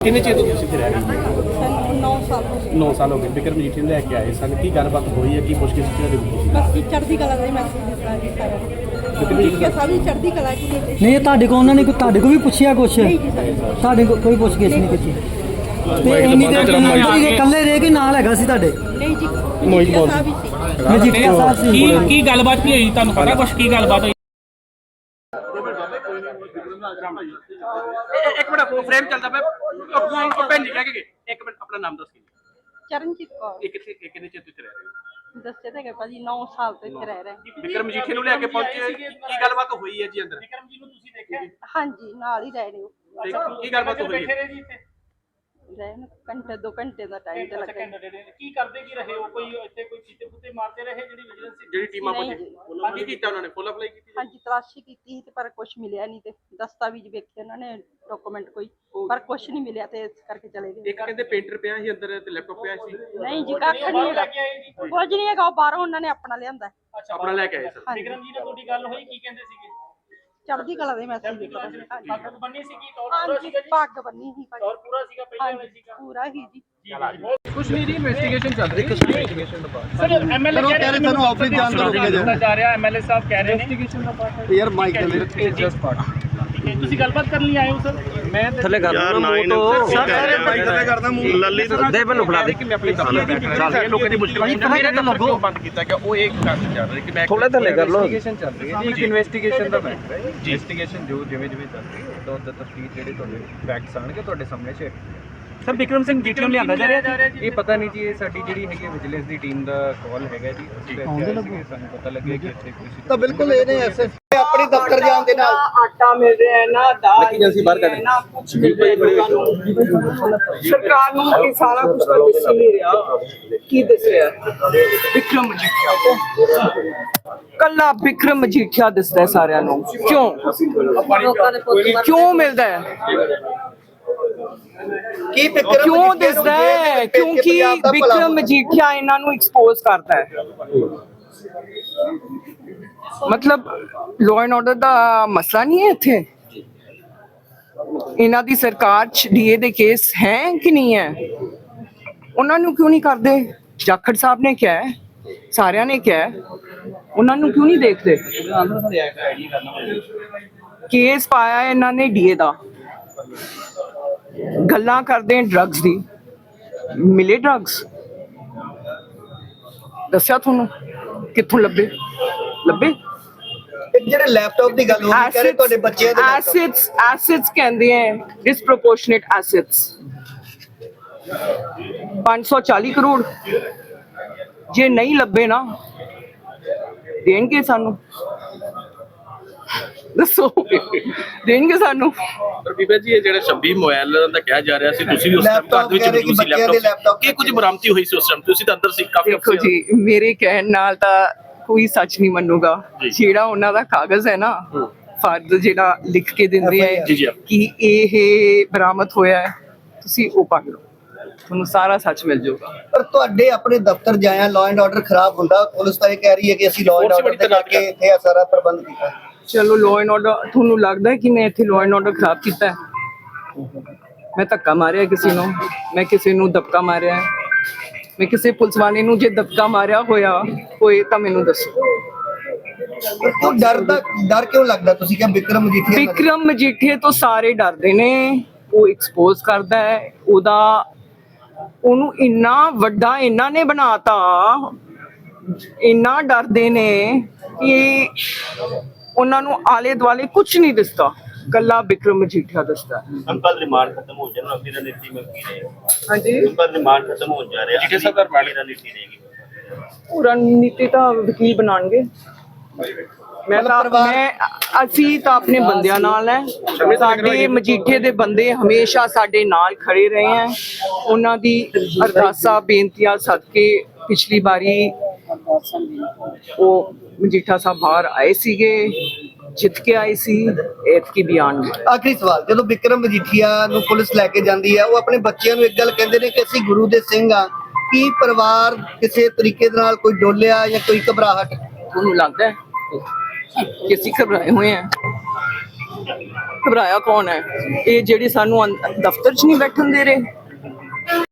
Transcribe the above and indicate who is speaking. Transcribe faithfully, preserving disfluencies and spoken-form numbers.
Speaker 1: ਕਿੰਨੇ ਚਿਰ ਤੋਂ ਤੁਸੀਂ ਇੱਥੇ ਰਹਿ ਰਹੇ ਹੋ?
Speaker 2: ਸਾਨੂੰ ਨੌ ਸਾਲ ਹੋ ਗਏ।
Speaker 1: ਨੌ ਸਾਲ ਹੋ ਗਏ। ਬਿਕਰਮ ਮਜੀਠੀਆ ਨੂੰ ਲੈ ਕੇ ਆਏ ਸਨ, ਕੀ ਗੱਲਬਾਤ ਹੋਈ ਹੈ, ਕੀ ਪੁੱਛਗਿੱਛ ਕਿਹਨਾਂ ਦੇ ਵਿੱਚ?
Speaker 2: ਬਸ ਜੀ ਚੜ੍ਹਦੀ ਕਲਾ ਦਾ ਹੀ ਮੈਸੇਜ ਦਿੱਤਾ ਜੀ ਸਾਰਿਆਂ ਨੂੰ। ਮਜੀਠੀਆ ਸਾਹਿਬ ਜੀ ਚੜ੍ਹਦੀ ਕਲਾ ਕੀ ਨੇ?
Speaker 3: ਨਹੀਂ, ਤੁਹਾਡੇ ਕੋਲ ਉਹਨਾਂ ਨੇ ਕੋਈ ਤੁਹਾਡੇ ਕੋਲ ਵੀ ਪੁੱਛਿਆ ਕੁਛ?
Speaker 2: ਨਹੀਂ ਜੀ ਸਰ।
Speaker 3: ਤੁਹਾਡੇ ਕੋਲ ਕੋਈ ਪੁੱਛਗਿੱਛ ਨਹੀਂ ਕੀਤੀ ਤੇ ਇੰਨੀ ਦੇਰ ਤੋਂ ਇਕੱਲੇ ਰਹਿ ਕੇ ਨਾਲ ਹੈਗਾ ਸੀ ਤੁਹਾਡੇ?
Speaker 2: ਨਹੀਂ ਜੀ ਮਜੀਠੀਆ ਸਾਹਿਬ ਹੀ ਸੀ।
Speaker 3: ਮਜੀਠੀਆ ਸਾਹਿਬ ਸੀ।
Speaker 4: ਕੀ ਕੀ ਗੱਲਬਾਤ ਕੀ ਹੋਈ, ਤੁਹਾਨੂੰ ਪਤਾ ਕੁਛ ਕੀ ਗੱਲਬਾਤ ਹੋਈ?
Speaker 1: ਇੱਕ ਮਿੰਟ ਫਰੇਮ ਚੱਲਦਾ ਪਿਆ। ਉਹ ਭੈਣ ਜੀ ਕਹਿ ਕੇ ਗਏ। ਇੱਕ ਮਿੰਟ ਆਪਣਾ ਨਾਮ ਦੱਸ ਕੇ।
Speaker 2: ਚਰਨਜੀਤ ਕੌਰ।
Speaker 1: ਇਹ ਕਿੱਥੇ ਇਹ ਕਿੰਨੇ ਚਿਰ ਤੋਂ ਇੱਥੇ ਰਹਿ ਰਹੇ ਹੋ?
Speaker 2: ਦੱਸਿਆ ਤਾਂ ਹੈਗਾ ਭਾਜੀ ਨੌ ਸਾਲ ਤੋਂ ਇੱਥੇ ਰਹਿ ਰਹੇ।
Speaker 1: ਬਿਕਰਮ ਮਜੀਠੀਆ ਨੂੰ ਲੈ ਕੇ ਪਹੁੰਚੇ, ਕੀ ਗੱਲਬਾਤ ਹੋਈ ਹੈ ਜੀ ਅੰਦਰ?
Speaker 4: ਵਿਕਰਮ ਜੀ ਨੂੰ ਤੁਸੀਂ ਦੇਖਿਆ?
Speaker 2: ਹਾਂਜੀ ਨਾਲ ਹੀ ਰਹਿ ਰਹੇ ਹੋ।
Speaker 1: ਤੇ ਕੀ ਗੱਲਬਾਤ ਹੋਈ ਹੈ?
Speaker 4: ਜੀ ਇੱਥੇ
Speaker 2: ਰਹਿ ਨੂੰ ਘੰਟੇ ਦੋ ਘੰਟੇ ਦਾ ਟਾਈਮ ਤੇ ਲੱਗਾ।
Speaker 4: ਕੀ ਕਰਦੇ ਕੀ ਰਹੇ ਹੋ? ਕੋਈ ਇੱਥੇ ਕੋਈ ਚੀਤੇ ਪੁੱਤੇ ਮਾਰਦੇ ਰਹੇ ਜਿਹੜੀ ਵਿਜੀਲੈਂਸ
Speaker 1: ਜਿਹੜੀ ਟੀਮਾਂ
Speaker 2: ਨਹੀਂ
Speaker 1: ਪਹੁੰਚੀ ਕੀ ਕੀਤਾ ਉਹਨਾਂ ਨੇ? ਫੁੱਲ ਅਪਲਾਈ ਕੀਤੀ?
Speaker 2: ਹਾਂਜੀ ਤਲਾਸ਼ੀ ਕੀਤੀ ਸੀ ਤੇ ਪਰ ਕੁਝ ਮਿਲਿਆ ਨਹੀਂ ਤੇ ਦਸਤਾਵੇਜ਼ ਵੇਖੇ ਉਹਨਾਂ ਨੇ ਡਾਕੂਮੈਂਟ ਕੋਈ ਪਰ ਕੁਝ ਨਹੀਂ ਮਿਲਿਆ ਤੇ ਇਸ ਕਰਕੇ ਚਲੇ ਗਏ।
Speaker 1: ਇੱਕ ਕਹਿੰਦੇ ਪੇਂਟਰ ਪਿਆ ਸੀ ਅੰਦਰ ਤੇ ਲੈਪਟਾਪ ਪਿਆ ਸੀ।
Speaker 2: ਨਹੀਂ ਜੀ ਕੱਖ ਨਹੀਂ ਹੈਗਾ, ਕੁਝ ਨਹੀਂ ਹੈਗਾ। ਉਹ ਬਾਹਰੋਂ ਉਹਨਾਂ ਨੇ ਆਪਣਾ ਲਿਆਂਦਾ।
Speaker 1: ਆਪਣਾ ਲੈ ਕੇ ਆਏ ਸਰ।
Speaker 2: ਹਾਂਜੀ
Speaker 4: ਵਿਕਰਮ ਜੀ ਨਾਲ ਤੁਹਾਡੀ ਗੱਲ ਹੋਈ, ਕੀ ਕਹਿੰਦੇ ਸੀਗੇ?
Speaker 2: ਚੜ੍ਹਦੀ ਕਲਾ ਦੇ ਮੈਸੇਜ ਦਿੱਤਾ।
Speaker 4: ਪੱਗ ਬੰਨੀ ਸੀ ਕੀ ਤੌਰ
Speaker 2: ਹਾਂਜੀ ਪੱਗ ਬੰਨੀ ਸੀ ਭਾਜੀ।
Speaker 4: ਤੌਰ ਪੂਰਾ ਸੀਗਾ ਪਹਿਲਾਂ
Speaker 2: ਹਾਂਜੀ ਪੂਰਾ ਹੀ ਜੀ।
Speaker 1: ਕੁਝ ਨਹੀਂ ਜੀ, ਇਨਵੈਸਟੀਗੇਸ਼ਨ ਚੱਲ ਰਹੀ ਹੈ। ਇਨਵੈਸਟੀਗੇਸ਼ਨ ਦਾ ਪਾਰਟ
Speaker 4: ਸਰ ਐਮਐਲਏ ਕਹਿ ਰਹੇ ਸਾਨੂੰ ਆਫਿਸ ਜਾਣ ਦਾ ਰੋਕਿਆ ਜਾ ਰਿਹਾ। ਐਮਐਲਏ ਸਾਹਿਬ ਕਹਿ ਰਹੇ ਨੇ ਇਨਵੈਸਟੀਗੇਸ਼ਨ ਦਾ ਪਾਰਟ ਹੈ।
Speaker 1: ਯਾਰ ਮਾਈਕ ਦੇ ਜਸਟ ਪਾਰਟ।
Speaker 4: ਤੁਸੀਂ ਗੱਲਬਾਤ ਕਰਨ ਲਈ ਆਏ ਹੋ ਸਰ?
Speaker 1: ਮੈਂ ਥੱਲੇ ਕਰ ਦੂੰਗਾ ਮੂੰਹ ਤੋਂ ਸਰ ਸਾਰੇ ਮਾਈਕ ਥੱਲੇ ਕਰਦਾ ਮੂੰਹ ਲੱਲੀ ਦੇ ਮੈਨੂੰ ਫੜਾ ਦੇ ਕਿ ਮੈਂ ਆਪਣੀ ਕੰਮ ਚੱਲ ਰਹੀ ਹੈ। ਲੋਕਾਂ ਦੀ ਮੁਸ਼ਕਲ ਨਹੀਂ ਮੇਰੇ ਨਾਲ ਲੱਗੋ ਬੰਦ ਕੀਤਾ ਗਿਆ। ਉਹ ਇੱਕ ਕੰਮ ਚੱਲ ਰਿਹਾ ਕਿ ਮੈਂ ਥੋੜਾ ਥੱਲੇ ਕਰ ਲਓ। ਇਨਵੈਸਟੀਗੇਸ਼ਨ ਚੱਲ ਰਹੀ ਹੈ ਜੀ। ਇੱਕ ਇਨਵੈਸਟੀਗੇਸ਼ਨ ਦਾ ਮੈਟਰ ਹੈ। ਇਨਵੈਸਟੀਗੇਸ਼ਨ ਜੋ ਜਿਵੇਂ ਜਿਵੇਂ ਚੱਲ ਰਹੀ ਹੈ ਤਾਂ ਉਹਦਾ ਤਫਤੀਸ਼ ਜਿਹੜੇ ਤੁਹਾਡੇ ਫੈਕਟਸ ਆਣਗੇ ਤੁਹਾਡੇ ਸਾਹਮਣੇ share.
Speaker 4: Sir Vikram Singh GT ਨੂੰ ਲਿਆਂਦਾ ਜਾ ਰਿਹਾ ਜੀ?
Speaker 1: ਇਹ ਪਤਾ ਨਹੀਂ ਜੀ, ਇਹ ਸਾਡੀ ਜਿਹੜੀ ਹੈਗੀ ਵਿਜੀਲੈਂਸ ਦੀ ਟੀਮ ਦਾ ਕਾਲ ਹੈਗਾ ਜੀ। ਅਸੀਂ ਇੱਥੇ ਆਏ ਸੀਗੇ, ਸਾਨੂੰ ਪਤਾ ਲੱਗਿਆ ਕਿ ਇੱਥੇ ਕੋਈ
Speaker 5: ਤਾਂ ਬਿਲਕੁਲ ਇਹ ਨੇ ਐਸੇ ਆਪਣੀ ਦਫ਼ਤਰ ਜਾਣ ਦੇ ਨਾਲ
Speaker 6: ਆਟਾ ਮਿਲ ਰਿਹਾ ਹੈ ਨਾ ਦਾਲ
Speaker 1: ਏਜੰਸੀ ਬਾਹਰ ਕੱਢ
Speaker 6: ਨਾ ਕੁਝ ਮਿਲ ਰਿਹਾ ਲੋਕਾਂ ਨੂੰ। ਸਰਕਾਰ ਨੂੰ ਇਹ ਸਾਰਾ ਕੁਝ ਤਾਂ ਦਿਸ ਹੀ ਨਹੀਂ ਰਿਹਾ। ਕੀ ਦਿਸ ਰਿਹਾ? ਵਿਕਰਮ ਮਜੀਠੀਆ ਕੱਲਾ ਵਿਕਰਮ ਮਜੀਠੀਆ ਦਿਸਦਾ ਸਾਰਿਆਂ ਨੂੰ। ਕਿਉਂ ਕਿਉਂ ਮਿਲਦਾ ਹੈ?
Speaker 5: ਕੀ ਵਿਕਰਮ
Speaker 6: ਕਿਉਂ ਦਿਸਦਾ ਹੈ? ਕਿਉਂਕਿ ਵਿਕਰਮ ਮਜੀਠੀਆ ਇਹਨਾਂ ਨੂੰ ਐਕਸਪੋਜ਼ ਕਰਦਾ ਹੈ। ਮਤਲਬ ਲਾਅ ਐਂਡ ਆਰਡਰ ਦਾ ਮਸਲਾ ਨਹੀਂ ਹੈ ਇੱਥੇ। ਇਹਨਾਂ ਦੀ ਸਰਕਾਰ ਚ ਡੀਏ ਦੇ ਕੇਸ ਹੈ ਕਿ ਨਹੀਂ ਹੈ? ਉਹਨਾਂ ਨੂੰ ਕਿਉਂ ਨਹੀਂ ਕਰਦੇ? ਜਾਖੜ ਸਾਹਿਬ ਨੇ ਕਿਹਾ ਹੈ, ਸਾਰਿਆਂ ਨੇ ਕਿਹਾ ਹੈ, ਉਹਨਾਂ ਨੂੰ ਕਿਉਂ ਨਹੀਂ ਦੇਖਦੇ? ਕੇਸ ਪਾਇਆ ਇਹਨਾਂ ਨੇ ਡੀਏ ਦਾ। ਗੱਲਾਂ ਕਰਦੇ ਆ ਡਰੱਗਸ ਦੀ। ਮਿਲੇ ਡਰੱਗਸ? ਦੱਸਿਆ ਤੁਹਾਨੂੰ ਕਿੱਥੋਂ ਲੱਭੇ? ਲੱਭੇ
Speaker 5: ਇੱਕ ਜਿਹੜੇ ਲੈਪਟਾਪ ਦੀ ਗੱਲ ਹੋ ਰਹੀ ਕਰੇ ਤੁਹਾਡੇ ਬੱਚਿਆਂ ਦੇ
Speaker 6: ਐਸਿਡਸ ਐਸਿਡਸ ਕਹਿੰਦੇ ਆ ਡਿਸਪ੍ਰੋਪੋਰਸ਼ਨੇਟ ਐਸਿਡਸ। ਪੰਜ ਸੌ ਚਾਲੀ ਕਰੋੜ ਜੇ ਨਹੀਂ ਲੱਭੇ ਨਾ ਦੇਣਗੇ ਸਾਨੂੰ? ਦੱਸੋ ਦੇਣਗੇ ਸਾਨੂੰ?
Speaker 1: ਪਰ ਬੀਬਾ ਜੀ ਇਹ ਜਿਹੜੇ ਛੱਬੀ ਮੋਬਾਈਲ ਦਾ ਕਿਹਾ ਜਾ ਰਿਹਾ ਸੀ, ਤੁਸੀਂ ਵੀ ਉਸ ਟਾਈਮ ਘਰ ਦੇ ਵਿੱਚ ਮੌਜੂਦ ਸੀ ਲੈਪਟਾਪ, ਕੀ ਕੁਝ ਬਰਾਮਦੀ ਹੋਈ ਸੀ ਉਸ ਟਾਈਮ? ਤੁਸੀਂ ਤਾਂ ਅੰਦਰ ਸੀ ਕਾਫੀ।
Speaker 6: ਦੇਖੋ ਜੀ ਮੇਰੇ ਕਹਿਣ ਨਾਲ ਤਾਂ ਕੋਈ ਸੱਚ ਨਹੀਂ ਮੰਨੂਗਾ। ਜਿਹੜਾ ਉਹਨਾਂ ਦਾ ਕਾਗਜ਼ ਹੈ ਨਾ, ਫਰਦ ਜਿਹੜਾ ਲਿਖ ਕੇ ਦਿੰਦੇ ਆ ਕਿ ਇਹ ਬਰਾਮਦ ਹੋਇਆ ਹੈ, ਤੁਸੀਂ ਉਹ ਪੜ੍ਹ ਲਓ, ਤੁਹਾਨੂੰ ਸਾਰਾ ਸੱਚ ਮਿਲ ਜਾਊਗਾ।
Speaker 5: ਪਰ ਤੁਹਾਡੇ ਆਪਣੇ ਦਫ਼ਤਰ ਜਾਇਆ ਲਾਅ ਐਂਡ ਆਰਡਰ ਖਰਾਬ ਹੁੰਦਾ, ਪੁਲਿਸ ਤਾਂ ਇਹ ਕਹਿ ਰਹੀ ਹੈ ਕਿ ਅਸੀਂ ਲਾਅ ਐਂਡ ਆਰਡਰ ਦੇ ਕਰਕੇ ਇੱਥੇ ਇਹ ਸਾਰਾ ਪ੍ਰਬੰਧ ਕੀਤਾ।
Speaker 6: ਚਲੋ ਲਾਅ ਐਂਡ ਆਰਡਰ, ਤੁਹਾਨੂੰ ਲੱਗਦਾ ਹੈ ਕਿ ਮੈਂ ਇੱਥੇ ਲਾਅ ਐਂਡ ਆਰਡਰ ਖਰਾਬ ਕੀਤਾ ਹੈ? ਮੈਂ ਧੱਕਾ ਮਾਰਿਆ ਕਿਸੇ ਨੂੰ? ਮੈਂ ਕਿਸੇ ਨੂੰ ਦਬਕਾ ਮਾਰਿਆ? ਮੈਂ ਕਿਸੇ ਪੁਲਿਸ ਵਾਲੇ ਨੂੰ ਜੇ ਦਬਕਾ ਮਾਰਿਆ ਹੋਇਆ ਹੋਏ ਤਾਂ ਮੈਨੂੰ ਦੱਸੋ।
Speaker 5: ਉਹ ਡਰ ਦਾ ਡਰ ਕਿਉਂ ਲੱਗਦਾ? ਤੁਸੀਂ ਕਿਹਾ ਵਿਕਰਮ ਮਜੀਠੀਆ
Speaker 6: ਵਿਕਰਮ ਮਜੀਠੀਆ ਤੋਂ ਸਾਰੇ ਡਰਦੇ ਨੇ। ਉਹ ਐਕਸਪੋਜ਼ ਕਰਦਾ ਹੈ ਉਹਦਾ, ਉਹਨੂੰ ਇੰਨਾ ਵੱਡਾ ਇਹਨਾਂ ਨੇ ਬਣਾਤਾ, ਇੰਨਾ ਡਰਦੇ ਨੇ ਕਿ ਉਹਨਾਂ ਨੂੰ ਆਲੇ ਦੁਆਲੇ ਕੁਝ ਨਹੀਂ ਦਿਸਦਾ, ਕੱਲਾ ਵਿਕਰਮ ਮਜੀਠੀਆ ਦਿਸਦਾ।
Speaker 7: ਅੰਕਲ ਰਿਮਾਂਡ ਖਤਮ ਹੋ ਜਾਣਾ, ਅੱਗੇ ਰਣਨੀਤੀ ਮੈਂ ਕੀ ਰਹੇ?
Speaker 6: ਹਾਂਜੀ
Speaker 7: ਅੰਕਲ ਰਿਮਾਂਡ ਖਤਮ ਹੋ ਜਾ ਰਿਹਾ,
Speaker 1: ਮਜੀਠੀਆ ਸਾਹਿਬ ਦਾ ਰਿਮਾਂਡ
Speaker 7: ਰਣਨੀਤੀ ਰਹੇਗੀ?
Speaker 6: ਉਹ ਰਣਨੀਤੀ ਤਾਂ ਵਕੀਲ ਬਣਾਉਣਗੇ। ਮੈਂ ਤਾਂ ਮੈਂ ਅਸੀਂ ਤਾਂ ਆਪਣੇ ਬੰਦਿਆਂ ਨਾਲ ਹੈ। ਸਾਡੇ ਮਜੀਠੇ ਦੇ ਬੰਦੇ ਹਮੇਸ਼ਾ ਸਾਡੇ ਨਾਲ ਖੜੇ ਰਹੇ ਹੈ। ਉਹਨਾਂ ਦੀ ਅਰਦਾਸਾਂ ਬੇਨਤੀਆਂ ਸਦਕੇ ਪਿਛਲੀ ਵਾਰੀ ਉਹ ਮਜੀਠਾ ਸਾਹਿਬ ਬਾਹਰ ਆਏ ਸੀਗੇ, ਜਿੱਤ ਕੇ ਆਏ ਸੀ, ਐਤਕੀ ਵੀ ਆਉਣਗੇ।
Speaker 5: ਆਖਰੀ ਸਵਾਲ, ਜਦੋਂ ਵਿਕਰਮ ਮਜੀਠੀਆ ਨੂੰ ਪੁਲਿਸ ਲੈ ਕੇ ਜਾਂਦੀ ਹੈ, ਉਹ ਆਪਣੇ ਬੱਚਿਆਂ ਨੂੰ ਇੱਕ ਗੱਲ ਕਹਿੰਦੇ ਨੇ ਕਿ ਅਸੀਂ ਗੁਰੂ ਦੇ ਸਿੰਘ ਆ। ਕੀ ਪਰਿਵਾਰ ਕਿਸੇ ਤਰੀਕੇ ਦੇ ਨਾਲ ਕੋਈ ਡੋਲਿਆ ਜਾਂ ਕੋਈ ਘਬਰਾਹਟ
Speaker 6: ਤੁਹਾਨੂੰ ਲੱਗਦਾ ਹੈ ਕਿ ਅਸੀਂ ਘਬਰਾਏ ਹੋਏ ਹਾਂ? ਘਬਰਾਇਆ ਕੌਣ ਹੈ? ਇਹ ਜਿਹੜੀ ਸਾਨੂੰ ਅੰਦ- ਦਫ਼ਤਰ 'ਚ ਨਹੀਂ ਬੈਠਣ ਦੇ ਰਹੇ।